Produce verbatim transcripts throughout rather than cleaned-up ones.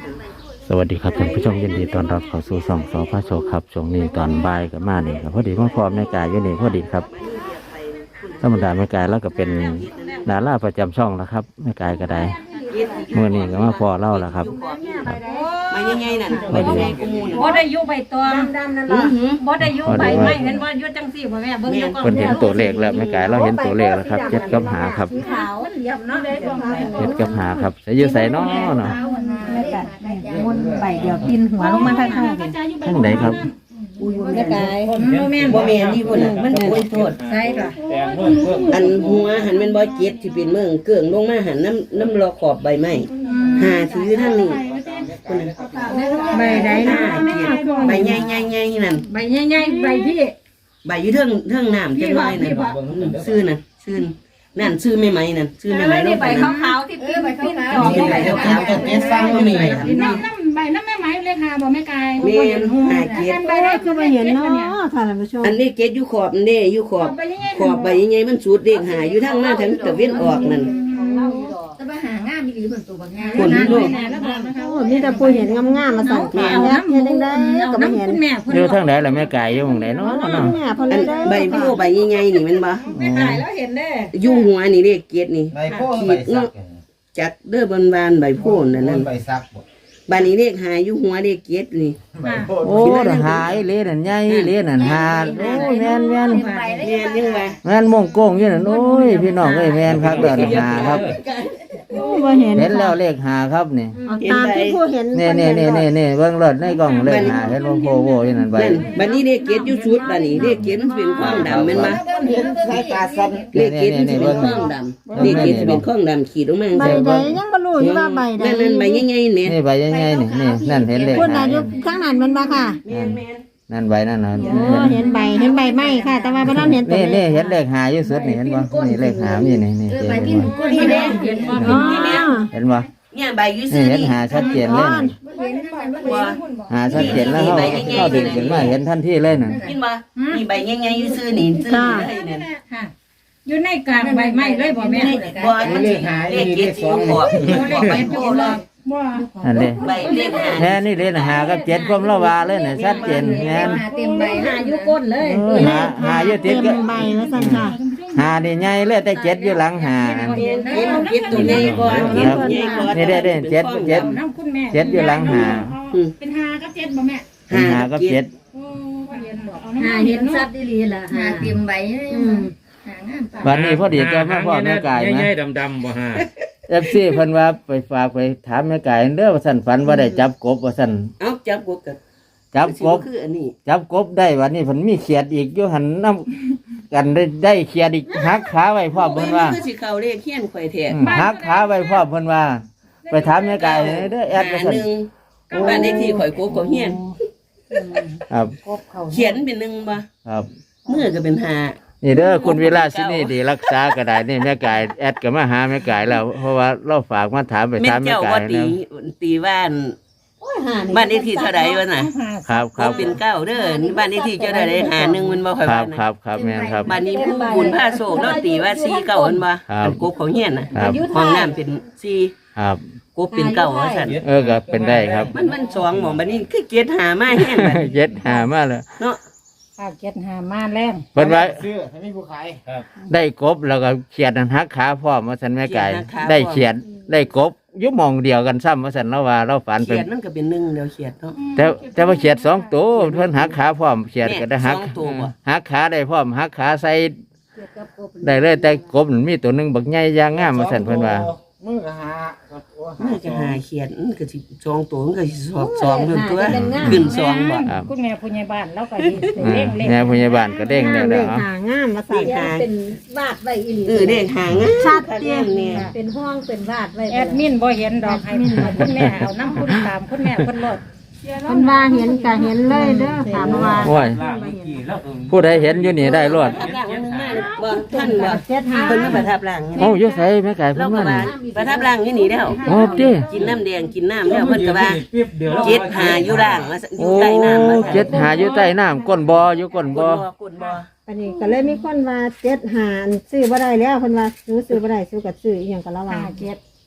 สวัสดีครับท่านผู้ชมยินดีต้อนรับเข้าสู่ช่องสพโชคครับช่วงนี้ตอนบ่ายกับมานี่ครับพอดีมาพร้อมแม่กายอยู่นี่พอดีครับธรรมดาแม่กายแล้วก็เป็นดาราประจำช่องแล้วครับแม่กายก็ได้เมื่อนี้ก็มาพอเล่าแล้วครับมาใหญ่ๆนั่นใบใหญ่กูมูนบ่ได้อยู่ใบตองดำๆนั่นล่ะบ่ได้อยู่ใบไม้เห็นบ่อยู่จังซี่บ่แม่เบิ่งอยู่ก่อนเพิ่นเห็นตัวเลขแล้วแม่กายเราเห็นตัวเลขแล้วครับเจ็ดกับหาครับเจ็ดกับหาครับจะอยู่ใส่น้อเนาะมุนใบเดียวกินหัวลงมาทางข้างทั้งไหนครับแม่กายบ่แม่นบ่แม่นนี่พุ่นน่ะมันโอ้ยโทษใช่ค่ะอันหัวหันเป็นบ่เจ็ดที่เป็นเมืองเกื่องลงมาหันน้ำน้ำรอขอบใบไม้หาถือทางนี้พุ่นน่ะใบใดนะใบใหญ่ๆๆนั่นใบใหญ่ๆใบพี่ใบอยู่เทิงเทิงน้ำจังน้อยนั่นซื่อน่ะซื่อนั่นชื่อแม่ไหมนั่นชื่อแม่ไหมนี่ใบขาวๆที่ปิ้นใบปิ้นจอกใบขาวๆก็เก็บฟังบ่มีน้ำน้ำใบน้ำแม่ไหมเลขหาบ่แม่กายแม่นหาเก็บใบได้คือบ่เห็นเนาะค่ะท่านผู้ชมอันนี้เก็บอยู่ขอบนั่นเด้อยู่ขอบขอบใบใหญ่ๆมันสูดเลขหาอยู่ทางมาทางตะเวนออกนั่นจะไปหางามมีอีหลีเพิ่นตัวบักงามคนลูกโอ้มีแต่ผู้เห็นงามๆมาสั่งแม่เฮ็ดจังได๋ก็บ่เห็นอยู่ทางไหนล่ะแม่กายอยู่หม้องไหนเนาะเนาะอันใบโพใบใหญ่ๆนี่มันบ่แม่กายแล้วเห็นเด้อยู่หัวนี่เลขเก็ดนี่ใบโพใบซักจักเด้อบนบานใบโพนั่นนั่นใบซักบานนี้เลขหาอยู่หัวเลขเก็ดนี่โอ้หายเลนั่นใหญ่เลนั่นหาโอ้แม่นแม่นแม่นยังไงแม่นมงโก้งอยู่นั่นโอ้ยพี่น้องเอ้ยแม่นครับเด้อหาครับบ่เห็นเห็นแล้วเลขหาครับนี่ตามที่ผู้เห็นนี่ๆๆๆเบิ่งรถในกล้องเลขหาเห็นบ่โพโวอยู่นั่นใบบัดนี้เลขเก็ดอยู่ชุดบัดนี้เลขเก็ดมันเป็นข้องดำแม่นบ่เห็นสายตาสั่นเลขเก็ดมันเป็นข้องดำเลขเก็ดเป็นข้องดำขีดลงมาใบใดยังบ่รู้อยู่ว่าใบใดนั่นๆใบใหญ่ๆแม่นี่ใบใหญ่ๆนี่นี่นั่นเห็นเลขพุ่นน่ะอยู่ข้างนั้นมันบ่ค่ะนั่นใบนั่นน่ะเห็นใบเห็นใบไม้ค่ะแต่ว่าบ่ทันเห็นตัวนี่นี่เห็นเลขหาอยู่สุดนี่เห็นบ่นี่เลขหานี่นี่นี่เห็นบ่นี่เด้เห็นบ่เห็นบ่เนี่ยใบอยู่ซื่อนี่เห็นหาชัดเจนเลยหาชัดเจนแล้วเฮาเฮาดึงขึ้นมาเห็นทันทีเลยน่ะกินบ่นี่ใบใหญ่ๆอยู่ซื่อนี่ซื่อเลยนั่นค่ะอยู่ในกลางใบไม้เลยบ่แม่บ่มันสิหาเลขเก็ดสองขอบใบโพเลยบ่อันนี้ใบเลขหาแท้นี่เลขหากับเจ็ดความละว่าเลยน่ะชัดเจนแม่นเต็มใบหาอยู่ก้นเลยหาหาอยู่ติดกับใบว่าซั่นค่ะหานี่ใหญ่เลยแต่เจ็ดอยู่หลังหาเก็ดเก็ดตัวนี้ก่อนเก็ดตัวนี้ก่อนนี่ได้ๆเจ็ดเจ็ดเจ็ดอยู่หลังหาเป็นหากับเจ็ดบ่แม่หากับเจ็ดหาเห็นสัตว์อีหลีล่ะหาเต็มใบวันนี้พอดีเจอแม่พ่อแม่กายนะใหญ่ๆดำๆบ่ฮะเอฟซีเพิ่นว่าไปฝากไปถามแม่กายเด้อว่าซั่นฝันว่าได้จับกบว่าซั่นเอ้าจับกบกันจับกบคืออันนี้จับกบได้วันนี้เพิ่นมีเขียดอีกอยู่หันนำกันได้ได้เขียดอีกหักขาไว้พร้อมเพิ่นว่าคือสิเข้าเลขเฮียนข่อยแท้หักขาไว้พร้อมเพิ่นว่าไปถามแม่กายเด้อแอดว่าซั่นบ้านเลขที่ข่อยกบก็เฮียนครับเขียนเป็นหนึ่งบ่ครับมือก็เป็นห้านี่เด้อคุณวิลาสินี่ดีรักษาก็ได้นี่แม่กายแอดก็มาหาแม่กายแล้วเพราะว่าเราฝากมาถามไปถามแม่กายนะตีบ้านบ้านเลขที่เท่าใดวะน่ะครับครับเป็นเก้าเด้อนี่บ้านเลขที่เจ้าใดได้หาหนึ่งมันบ่ค่อยครับครับครับแม่ครับบ้านนี้ผู้บุญผ้าโศกแล้วตีว่าสี่เก้ามันบ่กบของเฮียนน่ะห้องน้ำเป็นสี่ครับกบเป็นเก้าว่าซั่นเออก็เป็นได้ครับมันมันสองหม่องบัดนี้คือเกียรติหามาแฮงบัดเจ็ดหามาเลยเนาะข้าวเก็ดหามาแรงเพิ่นว่าซื้อให้มีผู้ขายครับได้กบแล้วก็เขียดหักขาพร้อมว่าซั่นแม่ไก่ได้เขียดได้กบอยู่หม่องเดียวกันซ้ำว่าซั่นเราว่าเราฝันเป็นเขียดนั่นก็เป็นหนึ่งเดียวเขียดเนาะแต่แต่ว่าเขียดสองตัวเพิ่นหักขาพร้อมเขียดก็ได้หักหักขาได้พร้อมหักขาใส่ได้เลยแต่กบมีตัวนึงบักใหญ่ยางงามว่าซั่นเพิ่นว่ามือก็หามือก็หาเขียดมันก็สิสองตัวมันก็สิสองสองเพิ่นตัวขึ้นสองบ่คุณแม่ผู้ใหญ่บ้านแล้วก็เด้งๆแม่ผู้ใหญ่บ้านก็เด้งได้แล้วหางามมาใส่หาเป็นวาดไว้อีหลีเออเด้งหางามชัดเจนเนี่ยเป็นห้องเป็นวาดไว้แอดมินบ่เห็นดอกให้คุณแม่เอาน้ำคุณตามคุณแม่เพิ่นรถเพิ่นว่าเห็นก็เห็นเลยเด้อถามว่าโอ้ยผู้ใดเห็นอยู่นี่ได้รอดบ่ท่านบ่เพิ่นมาประทับร่างโอ้อยู่ไสแม่ไก่เพิ่นมาประทับร่างอยู่นี่แล้วโอ้ติกินน้ำแดงกินน้ำแล้วเพิ่นก็ว่าเจ็ดหาอยู่ร่างอยู่ใต้น้ำโอ้เจ็ดหาอยู่ใต้น้ำก้นบ่อยู่ก้นบ่ก้นบ่อันนี้ก็เลยมีคนว่าเจ็ดหาซื้อบ่ได้แล้วเพิ่นว่าซื้อซื้อบ่ได้ซื้อก็ซื้ออีหยังก็ระวังเจ็ด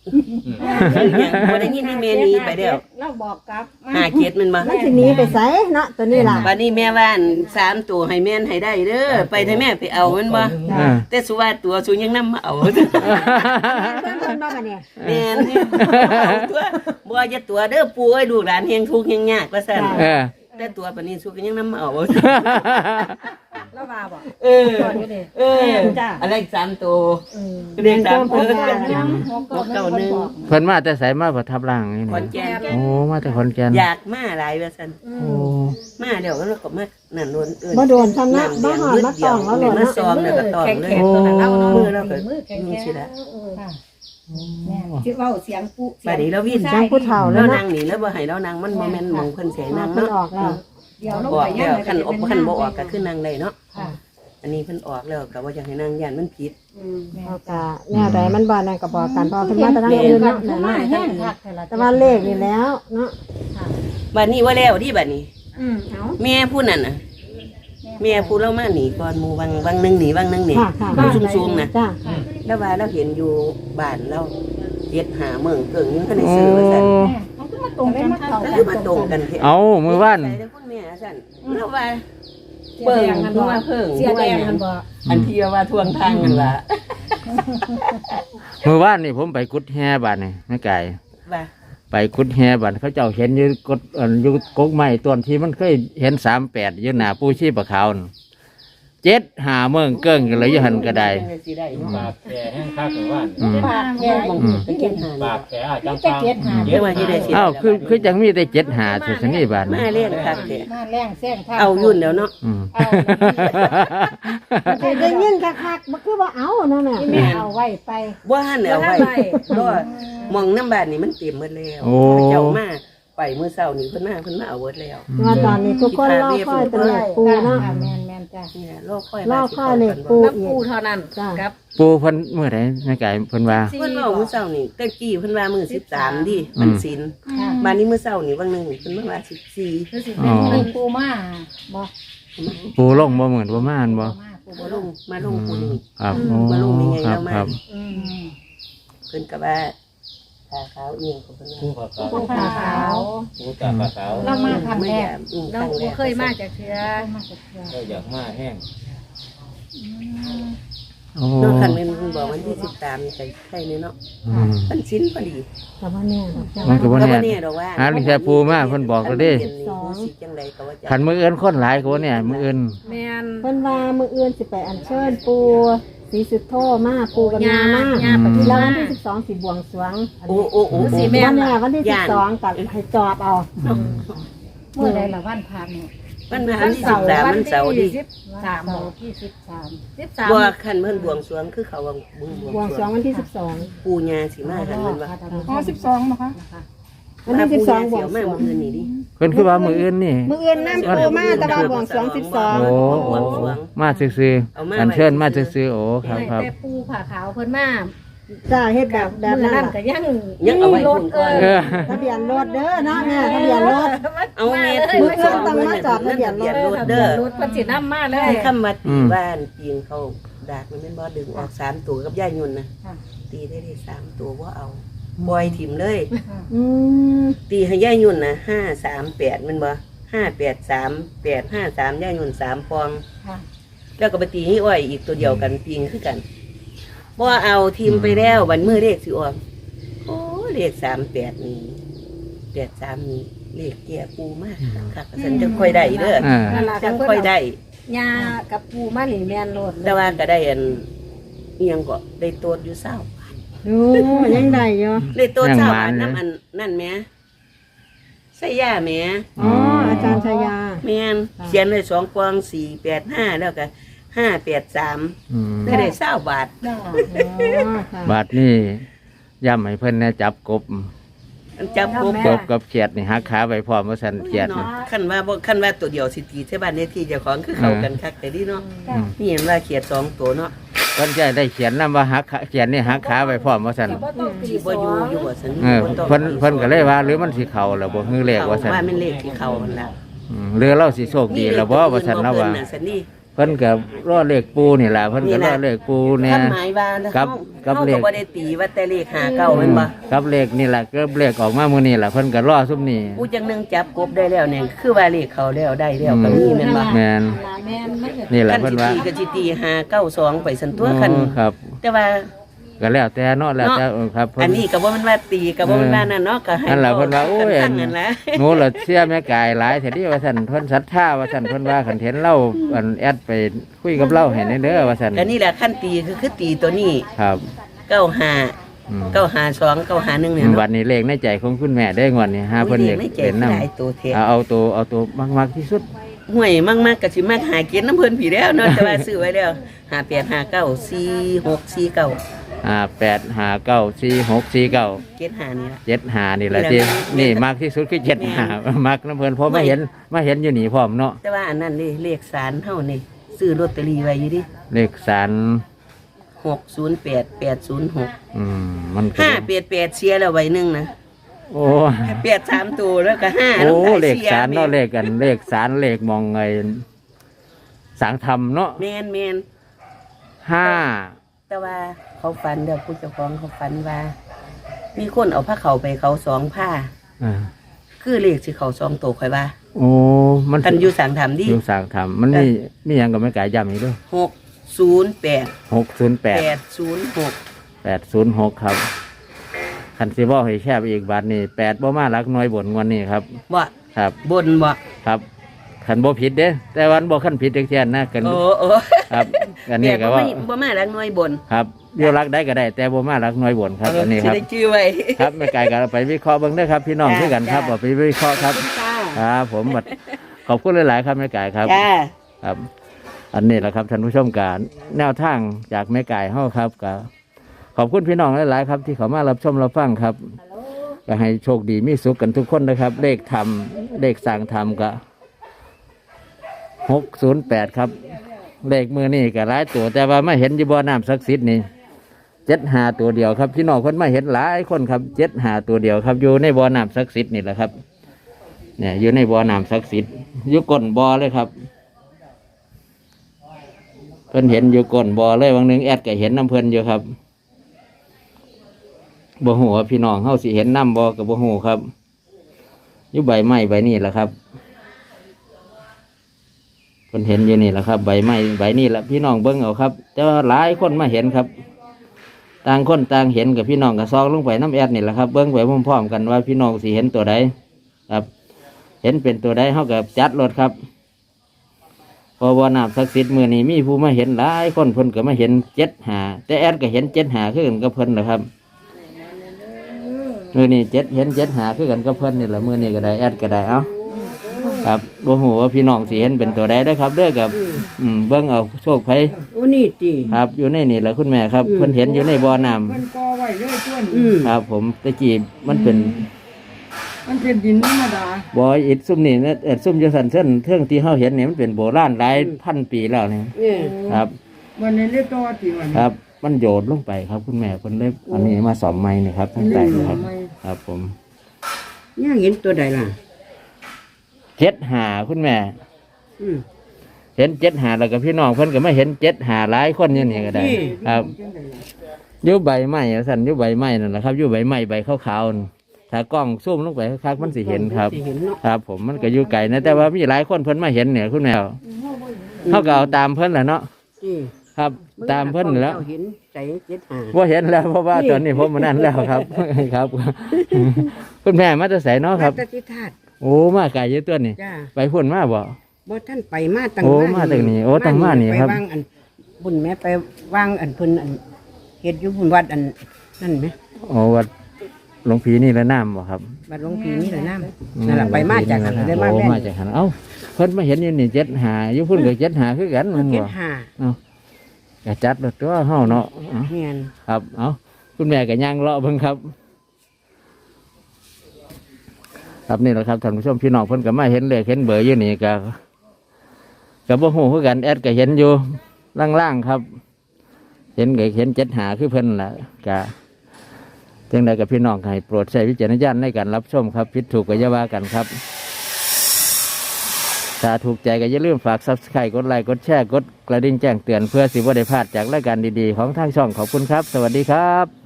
บ่ได้ยินที่แม่นี้ไปแล้วเราบอกกลับห้าเจ็ดมันบ่มันสิหนีไปไสเนาะตัวนี้ล่ะบัดนี้แม่ว่าอันสามตัวให้แม่นให้ได้เด้อไปให้แม่ไปเอามันบ่อ่าแต่สุว่าตัวสูยังนำมาเอาเพิ่นเพิ่นบ่บัดนี้แม่นเอาตัวบ่จะตัวเด้อปู่เอ้ยลูกหลานเฮงทุกข์เฮงยากว่าซั่นเออแต่ตัวปานนี้สุก็ยังนำมาเอาแล้วว่าบอกเออเอออะไรอีกสามตัวเรียกสามตัวหกเก้าหนึ่งเพิ่นมาแต่ไสมาประทับร่างนี่ขอนนี่แก่นโอ้มาแต่ขอนแก่นอยากมาหลายว่าซั่นโอ้มาเดี๋ยวก็เราก็มานั่นโน่นเอิ้นบ่โดนทำนะบ่หอดมาตองแล้วโลดมาเนาะซ้อมแล้วก็ตองเลยแข็งๆตัวนั้นเราเนาะมือเราก็มือแข็งมือสิละแม่ชื่อว่าเสียงปุ๊บัดนี้เราวิ่งจังผู้เฒ่าแล้เราวนั่เนาะงนี่แล้วบ่ให้เรานั่งมันบ่แม่นหมองเพิ่นเสียนั่งเพิ่นเนาะออกแล้วเดี๋ยวลงบอกไปแล้วย่างคันอบคันบ่ออกก็คือนั่งได้เนาะค่ะอันนี้เพิ่นออกแล้วก็บ่อยากให้นั่งย่านมันผิดเอากะแนวใดมันบ่นั่นก็บอกกันเพอเพิ่นมาแต่ทางอื่นเนาะนั่นมาน่ะแห้งคักแต่ละแต่ว่าเลขนี่แล้วเนาะบัดนี้ว่าแล้วที่บัดนี้อืมเอาแม่ผู้นั้นน่ะแม่ผู้เรามาหนีก่อนหมู่วังวังหนึงหนีวังหนึงนี่ค่ะค่ะมันสูงๆน่ะจ้าแล้วว่าเราเห็นอยู่บ้านเราเฮ็ดหาเมืองเกิ่งยังคันได้โอ้ซื้อว่าซั่นเขาก็มาตรงกันมาเข้าแล้วกัคือมาตรงกันแท้เอามื้อวานใส่ได้คุณแม่ซั่นแล้วว่าเบิ่งกันบ่เสียแดงกันบ่อันที่ว่าทวงทางกันว่ามื้อวานนี่ผมไปกุดแฮบาดนี่แม่ไก่ว่าไปกุดแฮบาดเขาเจ้าเห็นอยู่กดอันอยู่กกไม้ต้นที่มันเคยเห็นสามแปดอยู่หน้าปูชีพขาวนั่นเจ็ดหาเมืองเกิ้งกันเลยอยู่หันก็ได้สิได้เนาะปากแก่แห้งคักหรือว่าอืมปากแห้งอืมไปเก็บหาปากแก่จังจะเก็ดหาเดี๋ยวว่าสิได้สิอ้าวคือคือจังมีแต่เจ็ดหาสุดสนี่บาทมานะเล่นคักแท้มาแรงแซงทางเอายุ่นแล้วเนาะอืมแต่ได้ยินคักๆบ่คือว่าเอาเนาะแม่ที่แม่เอาไว้ไปบ่หันแล้วไว้บ่ทันไว้รอมองน้ำบ้านนี่มันเต็มหมดแล้วโอ้เจ้ามาไปมื้อเช้านี่เพิ่นมาเพิ่นมาเอาเบิดแล้วว่าตอนนี้ทุกคนรอคอยเป็นเลขปูเนาะแม่นแม่นจ้ะเนี่ยรอคอยรอคอยเลขปูน้ำปูเท่านั้นจ้าครับปูเพิ่นเมื่อไหร่แม่ไก่เพิ่นว่าเพิ่นเว้ามื้อเช้านี่ตะกี้เพิ่นว่ามื้อสิบสามดิมันศีลบัดนี้มื้อเช้านี่วันหนึงเพิ่นมาว่าสิบสี่คือสิเป็นเงินปูมาบ่ปูลงบ่เหมือนบ่มาอันบ่มาปูมาบ่ลลงงมาลงปูนี่ครับโอ้มาลงมีไงครับแล้วมาครับอืมเพิ่นก็ว่าขาขาวเอียงของเพิ่นผู้ว่าขาวปูขาวขาวผู้ตาขาวเรามาทำแรกอืมเราครั้งแรบ่กเคยมาจากเทือมาจากเทือก็อยากมาแห้งโอ้เนาะคันแม่นเพิ่นบอกวันที่สิบสามนี่ก็ใช่เลยเนาะอืมมันศีลพอดีแต่ว่าแน่ดอกจ้ามันก็บ่แล้วแน่บ่แน่ดอกว่าหาลิงแค่ปูมาเพิ่นบอกแล้วเด้คันเป็นนี่ผู้สิจังใดก็ว่าจะคันมือเอิ้นคนหลายกว่าเนี่ยมือเอิ้นแม่นเพิ่นว่ามื้ออื่นสิไปอัญเชิญปูศรีสุโธมาปูกับยามาย่าปฏิแล้วมาวันที่สิบสองสิบวงสรวงโอ้โอ้โอ้สิโอ้แม่วันนี้วันที่สิบสองกับให้จอบเอาเมื่อใดละวันพาเนี่ยมันมาวันที่สิบสามมันเสาร์ดิสิบสามที่สิบสามสิบสามบ่คันเพิ่นบวงสรวงคือเขาว่าบวงบวงสรวงวันที่สิบสองปูญาสิมาคันมันว่าอ๋อสิบสองนะคะวันที่สิบสองบวงมาสรวมื้งออื่นนี่ดิเพิ่นคือว่ามือเอิ้นนี่มื้ออื่นน้ำปูมาแต่ว่าบวงสรวงสิบสองโอ้โอ้มาซื่อๆอันเชิญมาซื่อๆโอ้ครับครับแต่ปูผ่าขาวเพิ่นมาจ้าเฮ็ดแบบแบบเมื่อนั้นนั้นล่ะก็ยังยังเอาไว้รคุถณเอก่อนอเออทะเบียนรถเด้อเนาะแม่ทะเบียนรถเอาแม่มื้ออื่นต้องมาจอดทะเบียนรถรถเด้อรถเพิ่นสินำมาเลยให้คำมาตีบ้านปีนเขาดากมันแม่นบ่ดึงออกสามตัวกับย่ายุ่นนะตีได้ได้สามตัวบ่เอาปล่อยถิ่มเลยอืมตีให้ย่ายุ่นนะห้าสามแปดมันบ่ห้าแปดสามแปดห้าสามย่ายุ่นสามฟองค่ะแล้วก็ไปตีให้อ้อยอีกตัวเดียวกันปีงคือกันบ่เอาทีมไปแล้ววันมือเลขสิออกโอ้เลขสามแปดนี่แปดสามนี่เลขแก่ปูมากค่ะฉันจะค่อยได้เด้ออ่านั่นล่ะฉัก็นเพิ่นค่อยได้ยากับปูมานี่แม่นโลดแต่ว่าก็ได้อันเอียงก็ได้โตดอยู่เศร้าดูยังได้อยู่ได้โตดเศร้าอันน้ำอันนั่นแหม่ใส่ย่าแหม่อ๋ออาจารย์ชายาแม่นเขียนเลยสองกวางสี่แปดห้าแล้วก็ห้าแปดสามอืมก็ได้เศร้าบาทจ้าอ๋อค่ะบาทนี่ย่ำให้เพิ่นแน่จับกบอันจับปุ๊บกบกับเขียดนี่หักขาไว้พร้อมว่าสันเขียดเนาะนี่ขั้นว่าบ่ขั้นว่าตัวเดียวสิตีใช่บ้านในที่เจ้าของคือเข้ากันคักแต่ดีเนาะอืมนี่เห็นว่าเขียดสองตัวเนาะเพิ่นจะได้เขียนนำว่าหักขาเขียนนี่หักขาไว้พร้อมว่าสันก็บ่ต้องตีที่สบ่ออยู่งอยู่บ่สันเออเพิ่นเพิ่นก็เลยว่าหรือมันสิเข้าแล้วบ่ฮือเลขว่าสันว่ามันเลขที่เข้ามันละอืมหรือเราสิโชคดีแล้วบ่ว่าสันแล้วว่าสันนี่เพิ่นก็รอเลขปูนี่แหละเพิ่นก็รอเลขปูเนี่ยคำหมายว่าครับเขากับเขาเลก็ขบ่ได้ตีว่าแต่เลขหาเก้าแม่นบ่ครับเลขนี่แหละก็เลขออกมามื้อนี้แหละเพิ่นก็รอซุมนี้ผู้จังหนึงจับกบได้แล้วเนี่ยคือว่าเลขเขาแล้วได้แล้วก็มีแม่นบ่แม่นแม่นมันก็นี่แหละคันเพิ่นสิว่าตีก็สิตีหาเก้าสองไปสันตัวคันโอ้ครับแต่ว่าก็แล้วแต่เนาะแล้วแต่เออครับเพิ่อันนี้ก็บ่แม่นว่าตีก็บ่แม่นว่านั่นเนาะก็ให้นั่นแหละเพิ่นว่าโอ้ยตั้งนั่นแหละหนูละเชื่อแม่กายหลายแท้ที่ว่าซั่นเพิ่นศรัทธาว่าซั่นเพิ่นว่าคันเห็นเล่าอันแอดไปคุยกับเล่าให้ในเด้อว่าซั่นก็นี่แหละขั้นตีคือคือตีตัวนี้ครับเก้าห้าอืมเก้าห้าสองเก้าห้าหนึ่งเนี่ยวัเนาะนนี้เลขในใจของคุณแม่ได้งวดนี้หาเพิ่นอยากไม่เจ็เป็บนนำหลายตัวเทเอาเอาตัวเอาตัวมากๆที่สุดห่วยมากๆก็สิมากหาเกียรติน้ำเพิ่นผีแล้วเนาะแต่ว่าซื้อไว้แล้วห้าแปดห้าเก้าสี่หกสี่เก้าอ่าแปดหาเก้าสี่หกสี่เก้าเกียรติหานี่ละเจ็ดหานี่แหละนี่ที่แหละนี่มากที่สุดคือเจ็ดหา มักน้ำเพิ่นเพราะมาเห็นมาเห็นอยู่นี่พร้อมเนาะแต่ว่าอันนั้นนี่เลขสารเฮานี่ซื้อลอตเตอรี่ไว้อยู่ดิเลขสารหกศูนย์แปดแปดศูนย์หกอืมมันก็ห้าแปดแปดเชียร์แล้วไว้หนึ่งนะโอ้แปดสามตัวแล้วก็ห้าโอ้น้ำตาเลขชียร์สารเนาะเลขกันเลขสารเลขมองไงสังธรรมเนาะแมนแมนห้าแต่ว่าเขาฝันเดี๋ยวผู้เจ้าของเขาฝันว่า มีคนเอาผ้าเขาวไปเขาสองผ้าอ่าคือเลขสิเขาสองตัวค่อยว่าโอ้มันกันอยู่สั่งทำดิอยู่สังธรรมมันมีมีหยังก็ไม่กายย้ำอีกเด้วยหกศูนย์แปดหกศูนย์แปดแปดศูนย์หกแปดศูนย์หกครับคันซีบอให้แคบอีกบาทนี่แปดบ่มารักน้อยบนงวันนี้ครับบ่ครับบนบ่ครับขันบ่ผิดเด้แต่วันบ่ขันผิดเด็กแค่นนะกันโอ้โอ้ครับอันนี้แต่ก็บ่ว่ามาบ่มารักน้อยบนครับเดียวรักได้ก็ได้ แต่บ่มารักน้อยบนครับเอออันนี้สิครับได้ชื่อไว้ครับไม่ไกลกันไปวิเคราะห์เบิ่งเด้อครับ พี่น้องจ้าด้วยกันครับจ้าเอาไปวิเคราะห์ครับจ้าครับผมบัดขอบคุณหลายๆครับแม่ไก่ครับจ้าครับ อันนี้แหละครับท่านผู้ชมการแนวทางจากแม่ไก่เฮาครับก็ขอบคุณพี่น้องหลายๆครับ ที่เขามารับชมรับฟังครับก็ให้โชคดีมีสุขกันทุกคนนะครับ เลขทำเลขสั่งทำก็หกศูนย์แปดครับ เลขมือนี่ก็หลายตัวแต่ว่าไม่เห็นอยู่บ่อน้ำศักดิ์สิทธิ์นี่เจ็ดหาตัวเดียวครับพี่น้องคนมาเห็นหลายคนครับเจ็ดหาตัวเดียวครับอยู่ในบ่อน้ำศักดิ์สิทธิ์นี่แหละครับ เนี่ยอยู่ในบ่อน้ำศักดิ์สิทธิ์อยู่ก้นบ่อเลยครับเพิ่นเห็นอยู่ก้นบ่อเลยวันหนึ่งแอดก็เห็นน้ำเพิ่นอยู่ครับบ่หูว่าพี่น้องเฮาสิเห็นน้ำบ่กับบ่หูครับอยู่ใบไม้ใบนี่แหละครับเพิ่นเห็นอยู่นี่แหละครับใบไม้ใบนี่แหละพี่น้องเบิ่งเอาครับ แต่ว่าหลายคนมาเห็นครับ ต่างคนต่างเห็นกับพี่น้องกับซองลงไปน้ำแอดนี่แหละครับเบิ่งไปพร้อมๆกันว่าพี่น้องสิเห็นตัวใดครับ เห็นเป็นตัวใดเฮากับจัดรถครับพอบ่อน้ำศักดิ์สิทธิ์มื้อนี้มีผู้มาเห็นหลายคนเพิ่นก็มาเห็นเจ็ดหาแต่แอดก็เห็นเจ็ดหาคือกันกับเพิ่นนะครับมื้อนี้เจ็ดเห็นเจ็ดหาคือกันกับเพิ่นนี่แหละมื้อนี้ก็ได้แอดก็ได้เอ้าครับบ่ฮู้ว่าพี่น้องสิเห็นเป็นตัวใดเด้อครับเด้อกับอืมเบิ่งเอาโชคไผโอ้นี่ติครับอยู่ในนี่แหละคุณแม่ครับเพิ่นเห็นอยู่ในบ่อน้ำมันก็ไว้เรื่อยต้นอืมครับ ผมตะกี้มันเป็นมันเป็นดินธรรมดาบ่ออิฐซุ่มนี่นะเอ็ดซุ่มจังซั่นเส้นเทื่องที่เฮาเห็นนี่มันเป็นโบราณหลายพันปีแล้วนี่เนี่ยครับวันนี้เรียกตัวที่วันครับ มันโยดลงไปครับ คุณแม่เพิ่นเลยอันนี้มาสอมไม้นี่ครับทั้งใต้นี่ครับ ครับผมเนี่ยเห็นตัวใดล่ะเจ็ดหาคุณแม่อืมเห็นเจ็ดหาแล้วก็พี่น้องเพิ่นก็มาเห็นเจ็ดหาหลายคนอยู่นี่ก็ได้นี่ครับอยู่ใบไม้สั่นอยู่ใบไม้นั่นแหละครับอยู่ใบไม้ใบขาวๆนั่นถ้ากล้องซูมลงไปคักๆมันสิเห็นครับสิเห็นเนาะครับ ผมมันก็อยู่ไกลนะแต่ว่ามีหลายคนเพิ่นมาเห็นเนี่ยคุณแม่เขาก็เอาตามเพิ่นแหละเนาะนี่ครับ ตามเพิ่นแล้วเห็นใจเจ็ดหาว่าเห็นแล้วเพราะว่าตอนนี้ผมมานั่นแล้วครับ ครับ คุณแม่มาจะใส่เนาะครับตติธาตุโอ้มาไกลเยอะตัวนี่จ้าไปพุ่นมาบ่บ่ท่านไปมาตั้งโอ้มาตั้งนี่โอ้ตั้งมานี่ครับไปวางอันบุญแม่ไปวางอันเพิ่นอันเฮ็ดอยู่บุญวัดอันนั่นไหมโอ้วัดหลวงพีนี่ละน้ำบ่ครับวัดหลวงพี่นี่แหละน้ำนั่นแหละไปมาจากหันได้มาโอ้แม่นมาจากหันเอ้าเพิ่นมาเห็นอยู่นี่เจ็ดหาอยู่พุ่นก็เจ็ดหาคือกันมันเจ็บ่ดห้าก็จัดรถตัวเฮาเนาะเอ้าเฮียนครับ เอาคุณแม่ก็ย่างเลาะเบิ่งครับ ครับนี่แหละครับท่านผู้ชมพี่น้องเพิ่นก็มาเห็นเลขเห็นเบอร์อยู่นี่ก็ก็บ่ฮู้คือกันแอดก็เห็นอยู่ล่างๆครับ เห็นก็เห็นเจ็ดหาคือเพิ่นล่ะก็จังใดกับพี่น้องให้โปรดใช้วิจารณญาณในการรับชมครับผิดถูกก็อย่าว่ากันครับ คถ้าถูกใจก็อย่าลืมฝาก ซับสไครบ์ กดไลค์กดแชร์กดกระดิ่งแจ้งเตือนเพื่อสิบ่ได้พลาดจากรายการดีๆของทางช่องขอบคุณครับ สวัสดีครับ